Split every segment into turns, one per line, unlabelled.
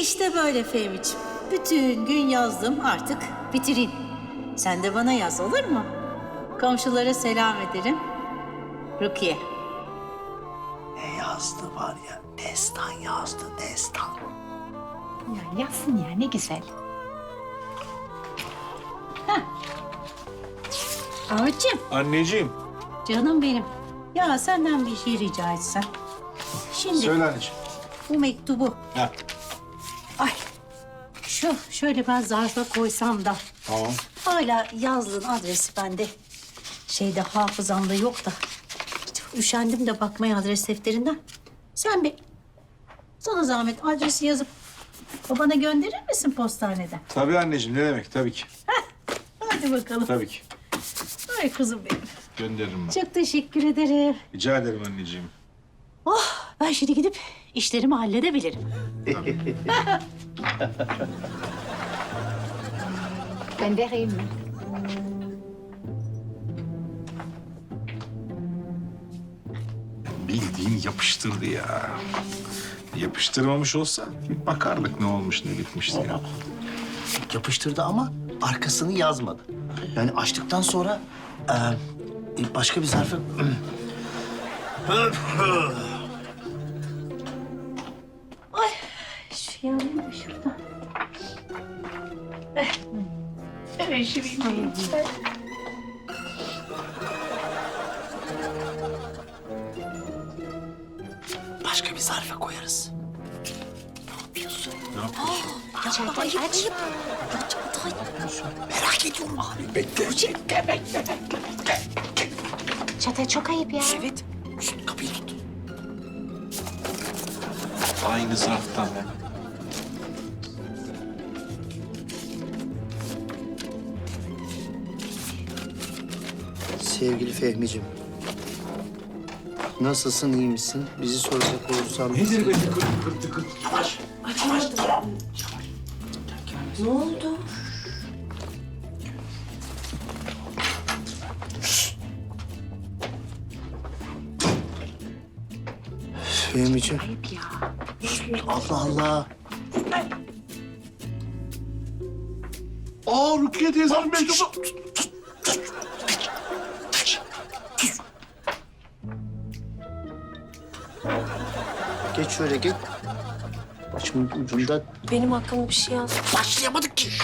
İşte böyle Fehmi'ciğim. Bütün gün yazdım, artık bitireyim. Sen de bana yaz, olur mu? Komşulara selam ederim. Rukiye.
Ne yazdı var ya, destan yazdı, destan.
Ya yazsın ya, ne güzel.
Ahmetciğim,
Anneciğim.
canım benim. Ya senden bir şey rica etsem. Şimdi
Söyle anneciğim.
bu mektubu,
Ha.
ay şöyle ben zarfa koysam da
Tamam.
hala yazdığın adresi bende şeyde hafızamda yok da. Üşendim de bakmaya adres defterinden. Sen bir sana zahmet adresi yazıp babana gönderir misin postaneden?
Tabii anneciğim, ne demek? Tabii ki.
Hadi bakalım.
Tabii ki.
Ay kızım benim.
Gönderirim ben.
Çok teşekkür ederim.
Rica ederim anneciğim.
Oh, ben şimdi gidip işlerimi halledebilirim.
Ben vereyim mi?
Bildiğin yapıştırdı ya. Yapıştırmamış olsa bir bakardık ne olmuş, ne bitmiş diye.
Yapıştırdı ama arkasını yazmadı. Yani açtıktan sonra başka bir zarfı...
Şu yanayım da şuradan.
Başka bir zarfa koyarız.
Ne yapıyorsun?
Çağatay aç.
Merak ediyorum abi. Bekle.
Çağatay çok ayıp ya.
Evet. Şunu kapıyı tut.
Aynı zarftan.
Sevgili Fehmi'ciğim. Nasılsın, iyi misin? Bizi soracak olursan...
Nedir be tıkır tıkır?
Yavaş.
Ne oldu?
Fehmi'ciğim.
Ayıp ya.
Allah Allah.
Aa, Rukiye teyzenin mektubu.
Geç şöyle git. Başımın ucunda
Benim hakkımda bir şey yaz.
başlayamadık ki.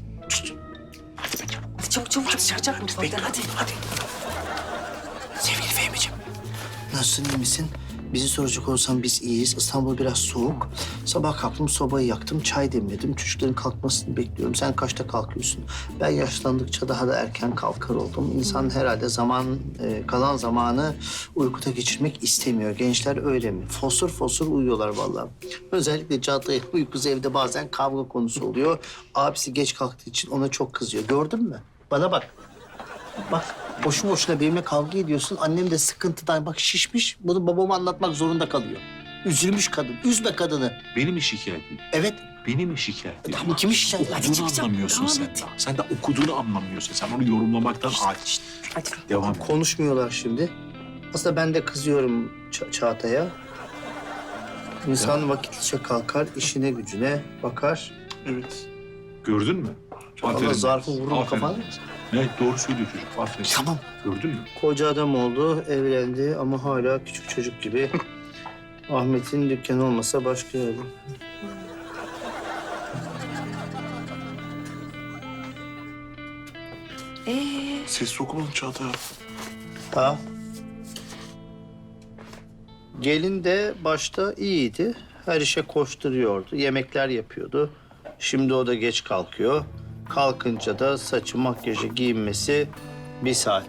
Hadi çabuk çabuk çıkacak mı?
Bekle hadi. Sevgili Fehmi'ciğim. Nasılsın, iyi misin? Bizi soracak olursan biz iyiyiz. İstanbul biraz soğuk. Sabah kalktım, sobayı yaktım, çay demledim. Çocukların kalkmasını bekliyorum. Sen kaçta kalkıyorsun? Ben yaşlandıkça daha da erken kalkar oldum. İnsan herhalde kalan zamanı uykuda geçirmek istemiyor. Gençler öyle mi? Fosur fosur uyuyorlar vallahi. Özellikle Çağatay uykusu evde bazen kavga konusu oluyor. Abisi geç kalktığı için ona çok kızıyor. Gördün mü? Bana bak. Bak boşu boşuna benimle kavga ediyorsun. Annem de sıkıntıdan bak şişmiş. Bunu babama anlatmak zorunda kalıyor. Üzülmüş kadın. Üzme kadını.
Beni mi şikayetin?
Evet.
Beni mi şikayet ediyorsun?
Kimi şikayet?
Okuduğunu anlamıyorsun sen. Sen de okuduğunu anlamıyorsun. Sen onu yorumlamaktan aç.
Hadi.
Devam et.
Konuşmuyorlar şimdi. Aslında ben de kızıyorum Çağatay'a. İnsan vakitlice kalkar, işine gücüne bakar.
Evet. Gördün mü?
Allah zarfı vururum
Aferin.
kafana.
Evet, doğru söylüyor çocuk. Aferin.
Tamam.
Gördün mü?
Koca adam oldu, evlendi ama hala küçük çocuk gibi. Ahmet'in dükkanı olmasa başka yerde.
Ses sokulun Çağatay.
Ha. Gelin de başta iyiydi. Her işe koşturuyordu. Yemekler yapıyordu. Şimdi o da geç kalkıyor. Kalkınca da saçı, makyajı, giyinmesi 1 saat.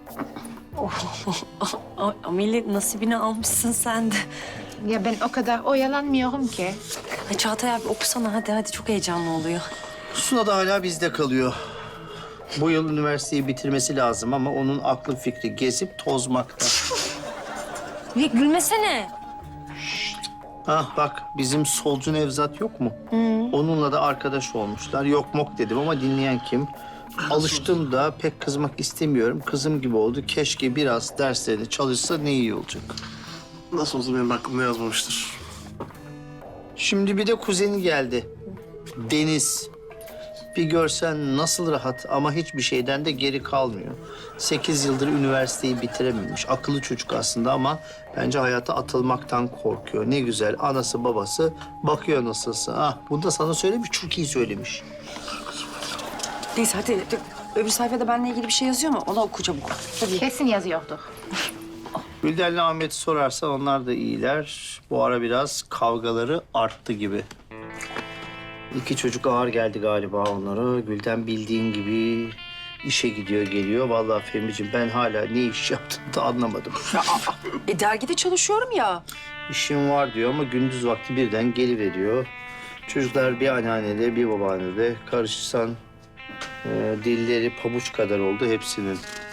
Ameli nasibini almışsın sen de.
Ya ben o kadar oyalanmıyorum ki.
Ay Çağatay abi okusana hadi çok heyecanlı oluyor.
Suna da hala bizde kalıyor. Bu yıl üniversiteyi bitirmesi lazım ama onun aklı fikri gezip tozmakta.
Ve gülmesene.
Ah bak bizim solcu Nevzat yok mu? Onunla da arkadaş olmuşlar. Yok mok dedim ama dinleyen kim? Alıştım da pek kızmak istemiyorum. Kızım gibi oldu. Keşke biraz derslerini çalışsa ne iyi olacak.
Nasıl olsa benim aklımda yazmamıştır.
Şimdi bir de kuzeni geldi. Deniz. Bir görsen nasıl rahat ama hiçbir şeyden de geri kalmıyor. 8 yıldır üniversiteyi bitirememiş. Akıllı çocuk aslında ama bence hayata atılmaktan korkuyor. Ne güzel anası babası bakıyor nasılsa. Ah bunu da sana söylemiş, çok iyi söylemiş.
Neyse hadi öbür sayfada benimle ilgili bir şey yazıyor mu? Onu oku çabuk.
Kesin yazıyordur.
Gülden'le Ahmet'i sorarsan onlar da iyiler. Bu ara biraz kavgaları arttı gibi. 2 çocuk ağır geldi galiba onlara. Gülden bildiğin gibi işe gidiyor geliyor. Vallahi Fehmi'ciğim ben hala ne iş yaptığını da anlamadım.
Dergide çalışıyorum ya.
İşim var diyor ama gündüz vakti birden geliveriyor. Çocuklar bir anneannede bir babaannede. Karışırsan dilleri pabuç kadar oldu hepsinin.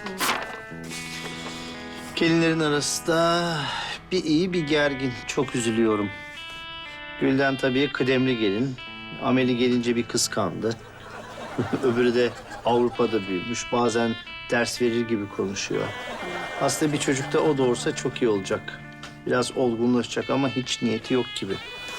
Gelinlerin arası da bir iyi bir gergin. Çok üzülüyorum. Gülden tabii kıdemli gelin. Ameli gelince bir kıskandı. Öbürü de Avrupa'da büyümüş. Bazen ders verir gibi konuşuyor. Aslında bir çocuk da o doğursa çok iyi olacak. Biraz olgunlaşacak ama hiç niyeti yok gibi.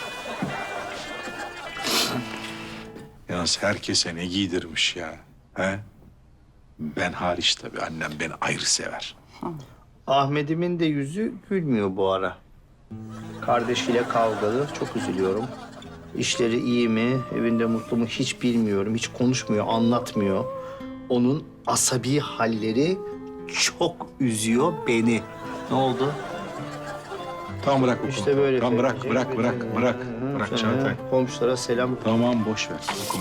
Yalnız herkese ne giydirmiş ya. He? Ben hariç tabii. Annem beni ayrı sever.
Ahmet'imin de yüzü gülmüyor bu ara. Kardeşiyle kavgalı. Çok üzülüyorum. İşleri iyi mi, evinde mutlu mu hiç bilmiyorum. Hiç konuşmuyor, anlatmıyor. Onun asabi halleri çok üzüyor beni. Ne oldu?
Tamam bırak okuma.
İşte böyle.
Tamam bırak,
Fehmi'ciğim.
bırak Çağatay.
Komşulara selam.
Tamam boş ver okuma.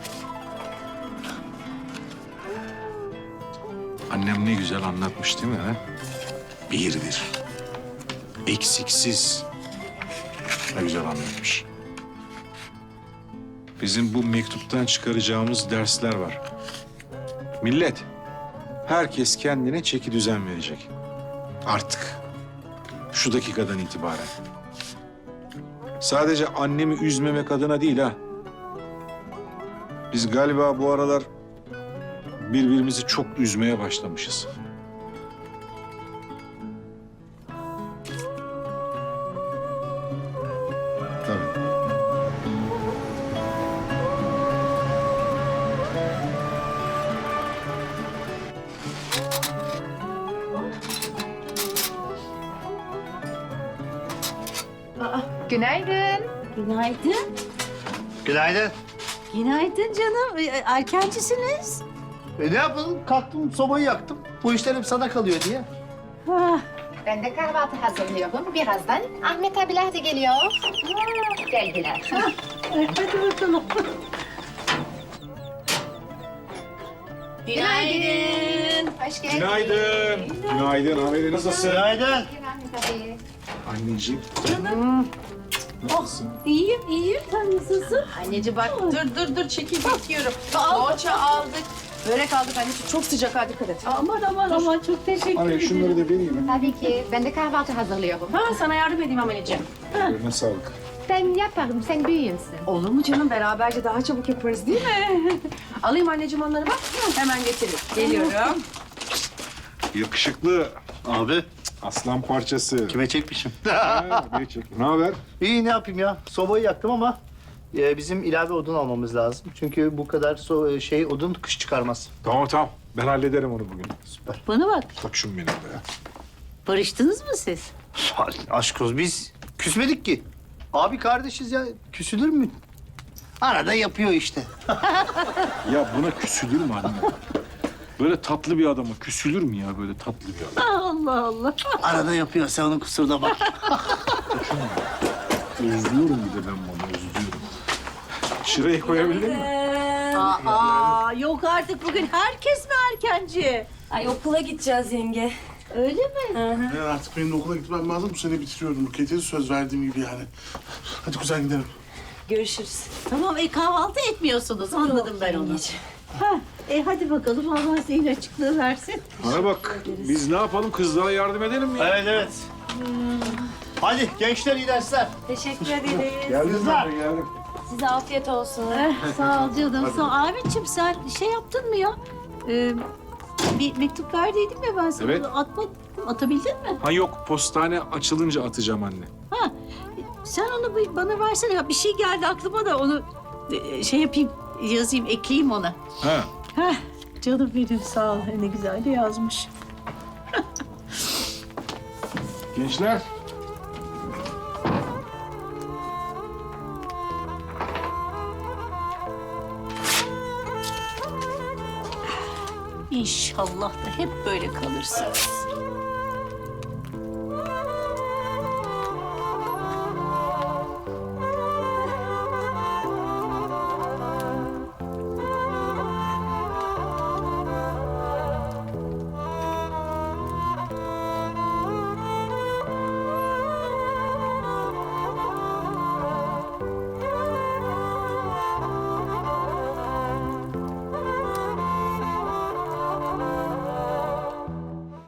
Annem ne güzel anlatmış değil mi? He? Bir. Eksiksiz. Ne güzel anlatmış. Bizim bu mektuptan çıkaracağımız dersler var. Millet, herkes kendine çeki düzen verecek. Artık. Şu dakikadan itibaren. Sadece annemi üzmemek adına değil ha. Biz galiba bu aralar birbirimizi çok üzmeye başlamışız. Tabii.
Günaydın.
Günaydın.
Günaydın.
Günaydın canım. Erkencisiniz.
Ne yapalım? Kalktım, sobayı yaktım. Bu işler hep sana kalıyor diye.
Ah,
Ben de kahvaltı hazırlıyorum. Birazdan Ahmet abiler de geliyor. Geldiler.
hadi bakalım.
Günaydın. Hoş geldin.
Günaydın. Günaydın. Ameli nasılsın?
Günaydın.
Ahmet abi.
Anneciğim.
İyiyim. Sen nasılsın?
Anneciğim bak dur çekil bekliyorum. Poğaça aldık. Börek aldık anneciğim. Çok sıcak hadi dikkat et.
Aman çok teşekkür
Ameli
ederim.
şunları da vereyim mi?
Tabii ki. Ben de kahvaltı hazırlıyorum.
Ha sana yardım edeyim Ameliciğim.
Eline sağlık.
Ben yaparım. Sen büyüğünsün.
Olur mu canım? Beraberce daha çabuk yaparız değil mi? Alayım anneciğim onları bak. Hemen getiririm. Geliyorum.
Yakışıklı.
Abi,
Aslan parçası.
kime çekmişim?
Ne haber?
İyi ne yapayım ya? Sobayı yaktım ama bizim ilave odun almamız lazım. Çünkü bu kadar odun kış çıkarmaz.
Tamam. Ben hallederim onu bugün.
Süper.
Bana bak.
Koçum benim be.
Barıştınız mı siz?
Aşk olsun biz küsmedik ki. Abi kardeşiz ya. Küsülür mü? Arada yapıyor işte.
Ya buna küsülür mü anne? Böyle tatlı bir adama küsülür mü ya böyle tatlı bir adam?
Allah.
Arada yapıyor. Sen onun kusuruna bak.
Özlüyorum bir de ben bunu özlüyorum. Şurayı koyabildin mi?
Aa, yok artık bugün herkes mi erkenci?
Ay okula gideceğiz yenge.
Öyle mi?
Evet, artık benim de okula gitmem lazım. Bu sene bitiriyorum Buket'e. Söz verdiğim gibi yani. Hadi kuzen gidelim.
Görüşürüz.
Tamam kahvaltı etmiyorsunuz anladım ben onu. Ha, hadi bakalım Allah senin açıklığı versin.
Bana bak biz ne yapalım kızlara yardım edelim mi?
Evet. Hadi gençler iyi dersler.
Teşekkür ederiz.
Geldim ben de geldim.
Size afiyet olsun.
Sağ ol canım. Sağ ol. Ahmetciğim sen şey yaptın mı ya? Bir mektup verdiydim ya ben sana.
Evet.
Onu atmadın. Atabildin mi?
Ha yok postane açılınca atacağım anne.
Ha, Sen onu bana versene. Ya bir şey geldi aklıma da onu şey yapayım, yazayım, ekleyeyim ona.
Ha.
Heh, canım benim sağ ol. Ne güzel de yazmış.
Gençler.
İnşallah da hep böyle kalırsınız.